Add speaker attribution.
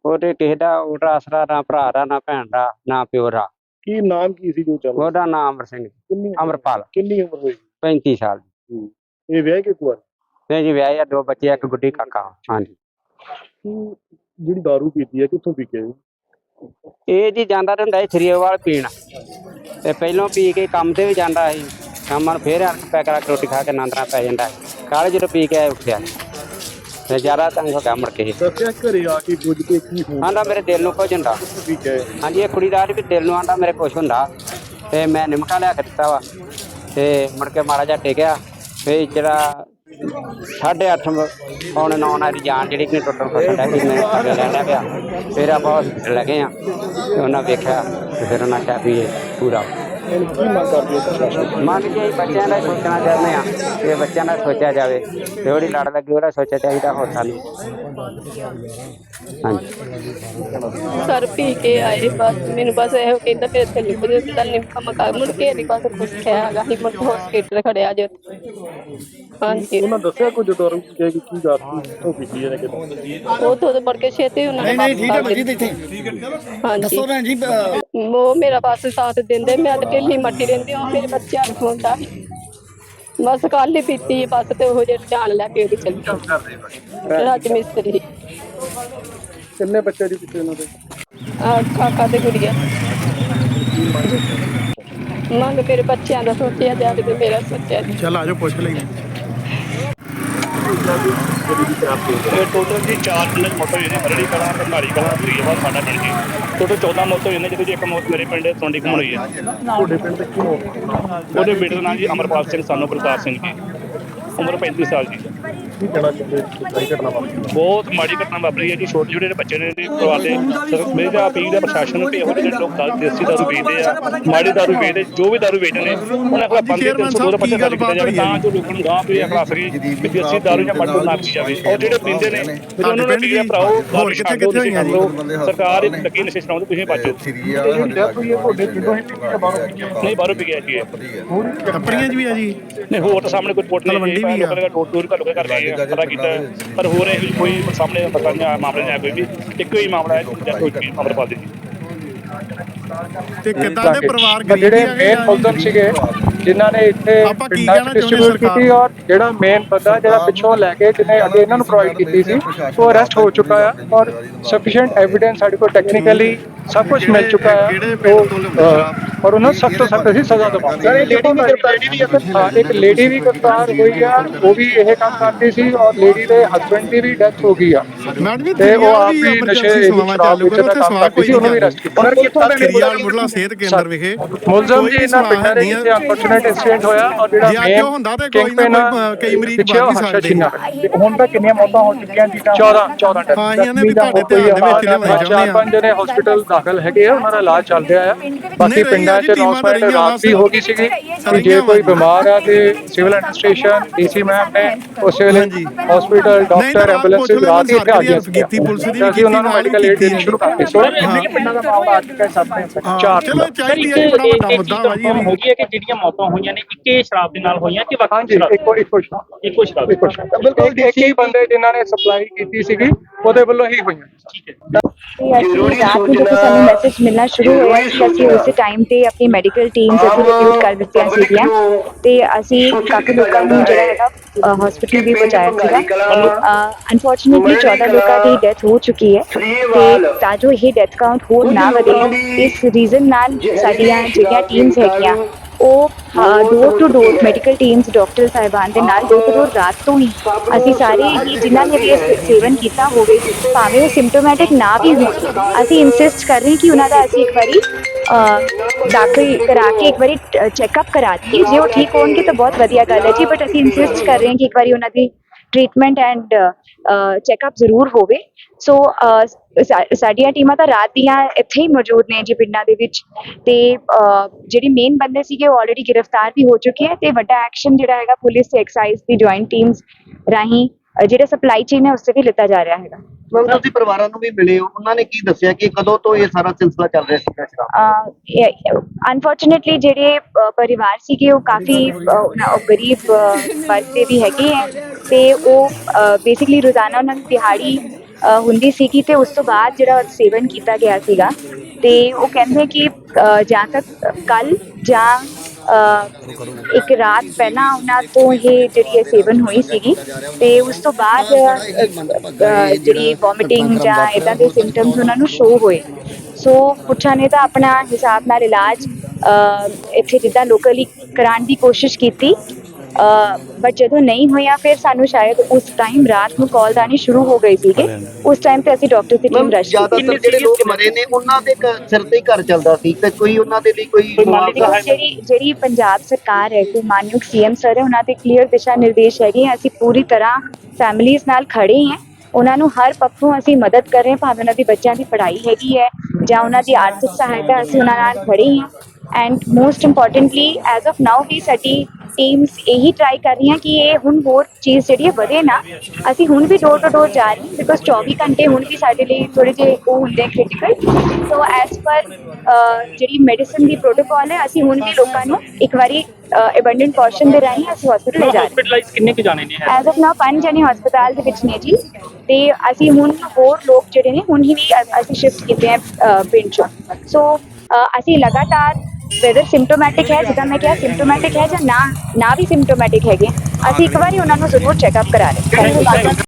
Speaker 1: ਉਹਦੇ ਕਿਸੇ ਦਾ ਉਹਦਾ ਆਸਰਾ ਨਾ ਭਰਾ ਦਾ ਨਾ ਭੈਣ ਦਾ ਨਾ ਪਿਓ ਦਾ।
Speaker 2: ਕੀ ਨਾਮ ਕੀ ਸੀ ਜੋ ਚੱਲ
Speaker 1: ਉਹਦਾ ਨਾਮ ਅਮਰ ਸਿੰਘ ਅਮਰਪਾਲ।
Speaker 2: ਕਿੰਨੀ ਉਮਰ ਹੋਈ?
Speaker 1: 35 ਸਾਲ ਦੀ।
Speaker 2: ਇਹ ਵਿਆਹ ਕੇ ਕੁਆਰ?
Speaker 1: ਨਹੀਂ ਜੀ ਵਿਆਹ ਆ, 2 ਬੱਚੇ, 1 ਗੁੱਡੀ ਕਾਕਾ। ਹਾਂਜੀ।
Speaker 2: ਜਿਹੜੀ ਦਾਰੂ ਪੀਤੀ ਹੈ ਕਿੱਥੋਂ ਪੀ ਕੇ?
Speaker 1: ਇਹ ਜੀ ਜਾਂਦਾ ਹੁੰਦਾ ਸੀ ਥਰੀਏਵਾਲ ਪੀਣ, ਤੇ ਪਹਿਲੋਂ ਪੀ ਕੇ ਕੰਮ ਤੇ ਵੀ ਜਾਂਦਾ ਸੀ, ਸ਼ਾਮਾਂ ਨੂੰ ਫੇਰ ਪੈ ਕਰਾ ਕੇ ਰੋਟੀ ਖਾ ਕੇ ਆਨੰਦਰਾ ਪੈ ਜਾਂਦਾ ਸੀ। ਕੱਲ੍ਹ ਜਦੋਂ ਪੀ ਕੇ ਆਇਆ ਉੱਠਿਆ ਤੇ ਜ਼ਿਆਦਾ ਤੰਗ ਹੋ ਗਿਆ ਮੁੜ ਕੇ।
Speaker 2: ਦੱਸਿਆ ਘਰੇ ਆ ਕੇ ਕੁਝ ਕੇ ਕੀ
Speaker 1: ਆਂਦਾ ਮੇਰੇ ਦਿਲ ਨੂੰ ਕੁਝ ਹੁੰਦਾ। ਹਾਂਜੀ, ਇਹ ਕੁੜੀ ਦਾ ਵੀ ਦਿਲ ਨੂੰ ਆਂਦਾ ਮੇਰੇ ਕੁਛ ਹੁੰਦਾ, ਤੇ ਮੈਂ ਨਿਮਕਾ ਲਿਆ ਕੇ ਦਿੱਤਾ ਵਾ, ਤੇ ਮੁੜ ਕੇ ਮਾੜਾ ਜਿਹਾ ਟਿਕਿਆ। ਫਿਰ ਜਿਹੜਾ 8:30 ਪੌਣੇ 9 ਦੀ ਜਾਨ ਜਿਹੜੀ ਕਿ ਟੁੱਟਣ ਫਸਣ ਡਿਆ ਸੀ, ਮੈਂ ਲੈ ਲਿਆ ਪਿਆ। ਫਿਰ ਆਪਾਂ ਹੌਸਪੀਟਲ ਲੈ ਗਏ ਹਾਂ, ਤੇ ਉਹਨਾਂ ਵੇਖਿਆ ਤੇ ਫਿਰ ਉਹਨਾਂ ਕਿਹਾ ਵੀ ਇਹ ਪੂਰਾ।
Speaker 2: ਕੀ ਮੰਗ ਕਰਦੇ ਹੋ ਪ੍ਰਸ਼ਾਸਨ?
Speaker 1: ਮੰਗ ਕੇ ਬੱਚਿਆਂ ਦਾ ਸੋਚਣਾ ਚਾਹੁੰਦੇ ਹਾਂ ਕਿ ਬੱਚਿਆਂ ਦਾ ਸੋਚਿਆ ਜਾਵੇ, ਤੇ ਜਿਹੜੀ ਲੜ ਲੱਗੀ ਉਹਦਾ ਸੋਚਿਆ ਚਾਹੀਦਾ, ਹੋਰ ਸਾਨੂੰ। ਹਾਂਜੀ
Speaker 3: ਸਰ ਪੀ ਕੇ ਆਏ, ਬਸ ਮੈਨੂੰ ਬਸ ਇਹੋ ਕਹਿੰਦਾ ਫਿਰ ਇੱਥੇ ਨਿਮਕਾ ਮਕਾ ਮੁੜ ਕੇ ਨਹੀਂ ਬਸ ਕੁਛ ਕਿਹਾ ਹੈਗਾ। ਅਸੀਂ ਮੁੜ ਕੇ ਹੌਸਪੀਟਲ ਖੜਿਆ ਜੇ। ਹਾਂਜੀ,
Speaker 2: ਉਹਨਾਂ ਦੱਸਿਆ ਕੁਝ ਦਾਰੂ ਕੀ ਗੱਲ ਕਿੱਥੋਂ ਪੀਤੀ ਹੈ ਕਿਦੋਂ?
Speaker 3: ਉਹ ਤੋਂ ਮੁੜ ਕੇ ਛੇਤੀ ਉਹਨਾਂ ਨੇ ਹਾਂਜੀ ਉਹ ਮੇਰਾ ਬਸ ਸਾਥ ਦਿੰਦੇ। ਮੈਂ ਤਾਂ ਢਿੱਲੀ ਮੱਟੀ ਰਹਿੰਦੀ, ਉਹ ਮੇਰੇ ਬੱਚਿਆਂ ਨੂੰ ਖਵਾਉਂਦਾ। ਬਸ ਕੱਲ ਹੀ ਪੀਤੀ ਬਸ, ਤੇ ਉਹ ਜਿਹੜੇ ਜਾਨ ਲੈ ਕੇ ਉਹਦੀ ਚੱਲੀ ਰਾਜ ਮਿਸਤਰੀ।
Speaker 2: ਕਿੰਨੇ ਬੱਚੇ ਦੀ ਪਿੱਛੇ ਉਹਨਾਂ ਦੇ?
Speaker 3: ਕਾਕਾ ਤੇ ਗੁੜੀਆ। ਮੰਗ ਮੇਰੇ ਬੱਚਿਆਂ ਦਾ ਸੋਚਿਆ ਜਾਵੇ ਤੇ ਮੇਰਾ ਸੋਚਿਆ ਜੀ।
Speaker 2: ਚੱਲ ਆਜੋ ਪੁੱਛ ਲਈ। ਟੋਟਲ ਜੀ 4 ਪਿੰਡ ਮੌਤ ਹੋਈ ਨੇ, ਹਰੜੀ ਕਲਾਂ, ਭੰਡਾਰੀ ਕਲਾਂ, ਧਰੀਵਾਲ, ਸਾਡਾ ਪਿੰਡ ਜੀ। ਟੋਟਲ 14 ਮੌਤ ਹੋਈ ਨੇ, ਜਿਹਦੇ ਚ 1 ਮੌਤ ਮੇਰੇ ਪਿੰਡ ਸੋਂਡੀ ਘੁੰਮਣ ਹੋਈ ਹੈ। ਤੁਹਾਡੇ ਪਿੰਡ ਦੇ ਕੀ ਮੌਤ? ਉਹਦੇ ਬੇਟੇ ਦਾ ਨਾਮ ਜੀ ਅਮਰਪਾਲ ਸਿੰਘ ਸਾਨੂੰ ਪ੍ਰਤਾਪ ਸਿੰਘ ਜੀ, ਉਮਰ 35 ਸਾਲ ਜੀ। ਕੀ ਕਹਿਣਾ ਚਾਹੁੰਦੇ? ਘਟਨਾ ਵਾਪਰੀ ਬਹੁਤ ਮਾੜੀ ਘਟਨਾ ਵਾਪਰੀ ਹੈ ਜੀ। ਛੋਟੇ ਛੋਟੇ ਬੱਚੇ ਨੇ ਪਰਿਵਾਰ ਦੇ। ਮੇਰੇ ਦਾ ਅਪੀਲ ਹੈ ਪ੍ਰਸ਼ਾਸਨ ਨੂੰ ਕਿ ਇਹੋ ਜਿਹੇ ਲੋਕ ਦੇਸੀ ਦਾਰੂ ਵੇਚਦੇ ਆ, ਮਾੜੀ ਦਾਰੂ ਵੇਚਦੇ, ਜੋ ਵੀ ਦਾਰੂ ਵੇਚਦੇ ਨੇ ਉਹਨਾਂ ਕੋਲ ਬੰਦੇ 302 ਦਾ ਪਰਚਾ ਦਰਜ ਕੀਤਾ ਜਾਵੇ, ਤਾਂ ਜੋ ਲੋਕਾਂ ਨੂੰ ਗਾਂਹ ਪੀ ਅਖਲਾ ਸਕੇ ਕਿ ਦੇਸੀ ਦਾਰੂ ਜਾਂ ਮਾੜੀ ਨਾ ਪੀ ਜਾਵੇ। ਔਰ ਜਿਹੜੇ ਪੀਂਦੇ ਨੇ ਉਹਨਾਂ ਨੂੰ ਟੀਕਾ ਭਰਾਓ, ਦਾਰੂ ਛੱਡ ਦਿਓ, ਨਸ਼ੇ ਛੱਡ ਦਿਓ। ਸਰਕਾਰ ਇੱਕ ਲੱਗੀ ਨਸ਼ੇ ਛਡਾਉਣ, ਤੁਸੀਂ ਬਚੋ। ਨਹੀਂ ਬਾਹਰੋਂ ਪੀ ਗਿਆ ਜੀ।
Speaker 4: ਟੱਪਰੀਆਂ 'ਚ ਵੀ ਆ ਜੀ?
Speaker 2: ਨਹੀਂ ਹੋਰ ਤਾਂ ਸਾਹਮਣੇ ਕੋਈ ਰਿਪੋਰਟ ਨਹੀਂ ਕਰ ਗਏ ਪਤਾ ਕੀਤਾ, ਪਰ ਹੋਰ ਇਹ ਕੋਈ ਸਾਹਮਣੇ ਪਤਾ ਨਹੀਂ ਮਾਮਲੇ ਨਹੀਂ ਆਇਆ ਕੋਈ ਵੀ। ਇੱਕੋ ਹੀ ਮਾਮਲਾ ਹੈ ਅਮਰਪਾਲ ਜੀ।
Speaker 4: ਤੇ ਕਿੱਦਾਂ ਦੇ ਪਰਿਵਾਰ
Speaker 5: ਜਿਹੜੇ ਮੇਨ ਮੁਲਜ਼ਮ ਸੀਗੇ ਜਿਨ੍ਹਾਂ ਨੇ ਇੱਥੇ ਪਿੰਡਾਂ 'ਚ ਡਿਸਟ੍ਰੀਬਿਊਟ ਕੀਤੀ, ਔਰ ਜਿਹੜਾ ਮੇਨ ਬੰਦਾ ਜਿਹੜਾ ਪਿੱਛੋਂ ਲੈ ਕੇ ਜਿਹਨੇ ਅੱਗੇ ਇਹਨਾਂ ਨੂੰ ਪ੍ਰੋਵਾਈਡ ਕੀਤੀ ਸੀ, ਉਹ ਅਰੈਸਟ ਹੋ ਚੁੱਕਾ ਆ, ਔਰ ਸਫੀਸ਼ੀਐਂਟ ਐਵੀਡੈਂਸ ਸਾਡੇ ਕੋਲ ਟੈਕਨੀਕਲੀ ਸਭ ਕੁਝ ਮਿਲ ਚੁੱਕਾ ਹੈ, ਔਰ ਉਹਨਾਂ ਨੂੰ ਸਖਤ ਤੋਂ ਸਖਤ ਅਸੀਂ ਸਜ਼ਾ ਦਵਾਂਗੇ। ਸਰ ਇੱਕ ਲੇਡੀ ਵੀ ਗ੍ਰਿਫਤਾਰ ਹੋਈ ਆ, ਉਹ ਵੀ ਇਹ ਕੰਮ ਕਰਦੀ ਸੀ, ਔਰ ਲੇਡੀ ਦੇ ਹਸਬੈਂਡ ਦੀ ਵੀ ਡੈਥ ਹੋ ਗਈ ਆ, ਤੇ ਉਹ ਆਪ ਵੀ ਨਸ਼ੇ ਸ਼ਰਾਬ ਵੇਚਣ ਦਾ ਕੰਮ ਕਰਦੀ ਸੀ, ਉਹਨੂੰ ਵੀ ਅਰੈਸਟ ਕੀਤਾ।
Speaker 4: ਮੁੱਢਲਾ ਸਿਹਤ ਕੇਂਦਰ ਵਿਖੇ
Speaker 5: ਮੁਲਜ਼ਮ ਜੀ ਇਹਨਾਂ ਪਿੰਡਾਂ ਦੇ ਵਿੱਚ ਅਨਫੋਰਚੂਨੇਟ ਇੰਸੀਡੈਂਟ ਹੋਇਆ, ਔਰ ਜਿਹੜਾ ਮੇਨ
Speaker 4: ਕਈ ਮਰੀਜ਼
Speaker 5: ਪਿੱਛੇ ਹਰਸ਼ਾ ਛੀਨਾ। ਹੁਣ ਤੱਕ ਕਿੰਨੀਆਂ ਮੌਤਾਂ ਹੋ ਚੁੱਕੀਆਂ ਜੀ? 14
Speaker 4: ਹਾਂ, ਇਹਨਾਂ ਨੇ ਵੀ ਤੁਹਾਡੇ ਧਿਆਨ ਦੇ ਵਿੱਚ ਲਿਆਉਣਾ ਚਾਹੁੰਦੇ ਆ।
Speaker 5: 4-5 ਜਣੇ ਹਸਪੀਟਲ ਦਾਖਲ ਹੈਗੇ ਆ, ਉਹਨਾਂ ਦਾ ਇਲਾਜ ਚੱਲ ਰਿਹਾ ਆ। ਬਾਕੀ ਪਿੰਡਾਂ 'ਚ ਅਨਾਉਂਸਮੈਂਟ ਰਾਤ ਵੀ ਹੋ ਗਈ ਸੀਗੀ ਕਿ ਜੇ ਕੋਈ ਬਿਮਾਰ ਆ ਤੇ ਸਿਵਲ ਐਡਮਿਨਿਸਟ੍ਰੇਸ਼ਨ, ਡੀਸੀ ਮੈਮ ਨੇ ਉਸ ਵੇਲੇ ਹਸਪੀਟਲ ਡਾਕਟਰ ਐਂਬੂਲੈਂਸ ਰਾਤ ਹੀ ਇੱਥੇ ਆ ਗਈਆਂ ਸੀ, ਅਸੀਂ ਉਹਨਾਂ ਨੂੰ ਮੈਡੀਕਲ ਏਡ ਦੇਣੀ ਸ਼ੁਰੂ ਕਰਤੀ। ਸੋ ਪਿੰਡਾਂ ਦਾ ਮਾਮਲਾ ਅੱਜ ਤੱਕ ਸਾਹਮਣੇ 4
Speaker 4: ਚਾਹੀਦੀ ਹੈ, ਬੜਾ ਵੱਡਾ ਮੁੱਦਾ ਵਾ ਜੀ।
Speaker 6: ਹੋ ਗਈ ਹੈ ਕਿ ਜਿਹੜੀਆਂ ਮੌਤਾਂ ਹੋਈਆਂ ਨੇ ਇੱਕੇ ਸ਼ਰਾਬ ਦੇ ਨਾਲ ਹੋਈਆਂ ਕਿ
Speaker 5: ਹਾਂਜੀ, ਇੱਕੋ ਸ਼ਰਾਬ ਬਿਲਕੁਲ ਇੱਕ ਹੀ ਬੰਦੇ ਜਿਨ੍ਹਾਂ ਨੇ ਸਪਲਾਈ ਕੀਤੀ ਸੀਗੀ ਉਹਦੇ ਵੱਲੋਂ ਹੀ ਹੋਈਆਂ।
Speaker 7: ਰਾਤ ਨੂੰ ਜਦੋਂ ਸਾਨੂੰ ਮੈਸੇਜ ਮਿਲਣਾ ਸ਼ੁਰੂ ਹੋਇਆ ਕਿ ਅਸੀਂ ਉਸੇ ਟਾਈਮ ਤੇ ਆਪਣੀ ਮੈਡੀਕਲ ਟੀਮਸ ਅਸੀਂ ਰਿਕਰੂਟ ਕਰ ਦਿੱਤੀਆਂ ਸੀਗੀਆਂ, ਤੇ ਅਸੀਂ ਕਾਫੀ ਲੋਕਾਂ ਨੂੰ ਜਿਹੜਾ ਹੈਗਾ ਹਸਪੀਟਲ ਵੀ ਪਹੁੰਚਾਇਆ ਸੀਗਾ। ਅਨਫੋਰਚੂਨੇਟਲੀ 14 ਲੋਕਾਂ ਦੀ ਡੈਥ ਹੋ ਚੁੱਕੀ ਹੈ, ਤੇ ਤਾਂ ਜੋ ਇਹ ਡੈਥ ਕਾਊਂਟ ਹੋਰ ਨਾ ਵਧੇ, ਇਸ ਰੀਜ਼ਨ ਨਾਲ ਸਾਡੀਆਂ ਜਿਹੜੀਆਂ ਟੀਮਸ ਹੈਗੀਆਂ ਉਹ door to door medical teams doctor ਸਾਹਿਬਾਨ ਦੇ ਨਾਲ ਡੋਰ ਟੂ ਡੋਰ ਰਾਤ ਤੋਂ ਹੀ ਅਸੀਂ ਸਾਰੇ ਹੀ ਜਿਨ੍ਹਾਂ ਨੇ ਵੀ ਸੇਵਨ ਕੀਤਾ ਹੋਵੇ, ਭਾਵੇਂ ਉਹ ਸਿੰਪਟੋਮੈਟਿਕ ਨਾ ਵੀ ਹੋਣ, ਅਸੀਂ ਇਨਸਿਸਟ ਕਰ ਰਹੇ ਕਿ ਉਹਨਾਂ ਦਾ ਅਸੀਂ ਇੱਕ ਵਾਰੀ ਦਾਖਲ ਕਰਾ ਕੇ ਇੱਕ ਵਾਰੀ ਚੈੱਕਅਪ ਕਰਾ ਦਈਏ। ਜੇ ਉਹ ਠੀਕ ਹੋਣਗੇ ਤਾਂ ਬਹੁਤ ਵਧੀਆ ਗੱਲ ਹੈ ਜੀ, ਬਟ ਅਸੀਂ ਇਨਸਿਸਟ ਕਰ ਰਹੇ ਹਾਂ ਕਿ ਇੱਕ ਵਾਰੀ ਉਹਨਾਂ ਦੀ ਟ੍ਰੀਟਮੈਂਟ ਐਂਡ ਚੈੱਕਅਪ ਜ਼ਰੂਰ ਹੋਵੇ। ਸੋ ਸਾਡੀਆਂ ਟੀਮਾਂ ਤਾਂ ਰਾਤ ਦੀਆਂ ਇੱਥੇ ਹੀ ਮੌਜੂਦ ਨੇ ਜੀ ਪਿੰਡਾਂ ਦੇ ਵਿੱਚ, ਤੇ ਜਿਹੜੇ ਮੇਨ ਬੰਦੇ ਸੀਗੇ ਉਹ ਆਲਰੇਡੀ ਗ੍ਰਿਫਤਾਰ ਵੀ ਹੋ ਚੁੱਕੇ ਹੈ, ਤੇ ਵੱਡਾ ਐਕਸ਼ਨ ਜਿਹੜਾ ਹੈਗਾ ਪੁਲਿਸ ਤੇ ਐਕਸਾਈਜ਼ ਦੀ ਜੁਆਇੰਟ ਟੀਮਸ ਰਾਹੀਂ ਜਿਹੜੇ ਸਪਲਾਈ ਚੇਨ ਹੈ ਉਸ ਤੇ ਵੀ ਲਿੱਤਾ ਜਾ ਰਿਹਾ ਹੈਗਾ।
Speaker 8: ਤੁਸੀਂ ਪਰਿਵਾਰਾਂ ਨੂੰ ਵੀ ਮਿਲੇ ਹੋ, ਉਹਨਾਂ ਨੇ ਕੀ ਦੱਸਿਆ ਕਿ ਕਦੋਂ ਤੋਂ ਇਹ ਸਾਰਾ ਸਿਲਸਿਲਾ ਚੱਲ ਰਿਹਾ ਸੀਗਾ?
Speaker 7: ਅਨਫੋਰਚੂਨੇਟਲੀ ਜਿਹੜੇ ਪਰਿਵਾਰ ਸੀਗੇ ਉਹ ਕਾਫੀ ਗਰੀਬ ਵਰਗ ਦੇ ਵੀ ਹੈਗੇ ਹੈ, ਤੇ ਉਹ ਬੇਸਿਕਲੀ ਰੋਜ਼ਾਨਾ ਉਹਨਾਂ ਦੀ ਦਿਹਾੜੀ ਹੁੰਦੀ ਸੀਗੀ ਤੇ ਉਸ ਤੋਂ ਬਾਅਦ ਜਿਹੜਾ ਸੇਵਨ ਕੀਤਾ ਗਿਆ ਸੀਗਾ ਤੇ ਉਹ ਕਹਿੰਦੇ ਕਿ ਜਾਂ ਤੱਕ ਕੱਲ ਜਾਂ ਇੱਕ ਰਾਤ ਪਹਿਲਾਂ ਉਹਨਾਂ ਤੋਂ ਇਹ ਜਿਹੜੀ ਇਹ ਸੇਵਨ ਹੋਈ ਸੀਗੀ ਤੇ ਉਸ ਤੋਂ ਬਾਅਦ ਜਿਹੜੀ ਵੋਮਿਟਿੰਗ ਜਾਂ ਇਦਾਂ ਦੇ ਸਿੰਪਟਮਸ ਉਹਨਾਂ ਨੂੰ ਸ਼ੋ ਹੋਏ। ਸੋ ਪੁੱਛਾਂ ਨੇ ਤਾਂ ਆਪਣਾ ਹਿਸਾਬ ਨਾਲ ਇਲਾਜ ਇੱਥੇ ਜਿੱਦਾਂ ਲੋਕਲੀ ਕਰਾਉਣ ਦੀ ਕੋਸ਼ਿਸ਼ ਕੀਤੀ ਬਟ ਜਦੋਂ ਨਹੀਂ ਹੋਇਆ ਫਿਰ ਸਾਨੂੰ ਸ਼ਾਇਦ ਉਸ ਟਾਈਮ ਰਾਤ ਨੂੰ ਕਾਲ ਆਉਣੀ ਸ਼ੁਰੂ ਹੋ ਗਈ ਸੀਗੇ। ਉਸ ਟਾਈਮ ਤੇ ਅਸੀਂ ਡਾਕਟਰ ਦੀ ਟੀਮ ਰਸ਼
Speaker 8: ਜ਼ਿਆਦਾਤਰ ਜਿਹੜੇ ਲੋਕ ਮਰੇ ਨੇ ਉਹਨਾਂ ਦੇ ਸਿਰ ਤੇ ਹੀ ਘਰ ਚੱਲਦਾ ਸੀ ਤੇ ਕੋਈ ਉਹਨਾਂ ਦੇ ਲਈ ਕੋਈ
Speaker 7: ਜਿਹੜੀ ਪੰਜਾਬ ਸਰਕਾਰ ਹੈ ਤੇ ਮਾਨਯੋਗ ਸੀਐਮ ਸਰ ਹੈ ਉਹਨਾਂ ਦੇ ਕਲੀਅਰ ਦਿਸ਼ਾ ਨਿਰਦੇਸ਼ ਹੈਗੇ ਅਸੀਂ ਪੂਰੀ ਤਰ੍ਹਾਂ ਫੈਮਿਲੀਜ਼ ਨਾਲ ਖੜੇ ਹਾਂ। ਉਹਨਾਂ ਨੂੰ ਹਰ ਪੱਖੋਂ ਅਸੀਂ ਮਦਦ ਕਰ ਰਹੇ ਹਾਂ, ਭਾਵੇਂ ਉਹਨਾਂ ਦੇ ਬੱਚਿਆਂ ਦੀ ਪੜ੍ਹਾਈ ਹੈਗੀ ਹੈ ਜਾਂ ਉਹਨਾਂ ਦੀ ਆਰਥਿਕ ਸਹਾਇਤਾ ਅਸੀਂ ਉਹਨਾਂ ਨਾਲ ਖੜੇ ਹਾਂ। And most importantly as of now ਵੀ ਸਾਡੀ ਟੀਮਸ ਇਹੀ ਟਰਾਈ ਕਰ ਰਹੀਆਂ ਕਿ ਇਹ ਹੁਣ ਹੋਰ ਚੀਜ਼ ਜਿਹੜੀ ਹੈ ਵਧੇ ਨਾ। ਅਸੀਂ ਹੁਣ ਵੀ ਡੋਰ ਟੂ ਡੋਰ ਜਾ ਰਹੇ ਹਾਂ ਬਿਕੋਜ਼ 24 ਘੰਟੇ ਹੁਣ ਵੀ ਸਾਡੇ ਲਈ ਥੋੜੇ ਜਿਹੇ ਉਹ ਹੁੰਦੇ ਕ੍ਰਿਟੀਕਲ। ਸੋ ਐਜ਼ ਪਰ ਜਿਹੜੀ ਮੈਡੀਸਨ ਦੀ ਪ੍ਰੋਟੋਕਾਲ ਹੈ ਅਸੀਂ ਹੁਣ ਵੀ ਲੋਕਾਂ ਨੂੰ ਇੱਕ ਵਾਰੀ ਐਬੰਡੈਂਟ ਪੋਰਸ਼ਨ ਦੇ ਰਾਹੀਂ ਅਸੀਂ ਹਸਪੀਟਲ ਲੈ ਜਾ ਰਹੇ ਹਾਂ।
Speaker 6: ਹਸਪੀਟਲਾਈਜ਼ ਕਿੰਨੇ ਕੁ ਜਾਣੇ ਨੇ
Speaker 7: ਐਜ਼ ਆਫ ਨਾਓ 5 ਜਣੇ ਹਸਪਤਾਲ ਦੇ ਵਿੱਚ ਨੇ ਜੀ ਤੇ ਅਸੀਂ ਹੁਣ ਹੋਰ ਲੋਕ ਜਿਹੜੇ ਨੇ ਹੁਣ ਹੀ ਵੀ ਅਸੀਂ ਸ਼ਿਫਟ ਕੀਤੇ ਆ ਪਿੰਡ ਚੋਂ। ਸੋ ਅਸੀਂ ਲਗਾਤਾਰ ਵੈਦਰ ਸਿੰਪਟੋਮੈਟਿਕ ਹੈ ਜਿੱਦਾਂ ਮੈਂ ਕਿਹਾ ਸਿੰਪਟੋਮੈਟਿਕ ਹੈ ਜਾਂ ਨਾ ਵੀ ਸਿੰਪਟੋਮੈਟਿਕ ਹੈਗੇ ਅਸੀਂ ਇੱਕ ਵਾਰੀ ਉਹਨਾਂ ਨੂੰ ਜ਼ਰੂਰ ਚੈੱਕਅਪ ਕਰਾ ਰਹੇ ਹਾਂ।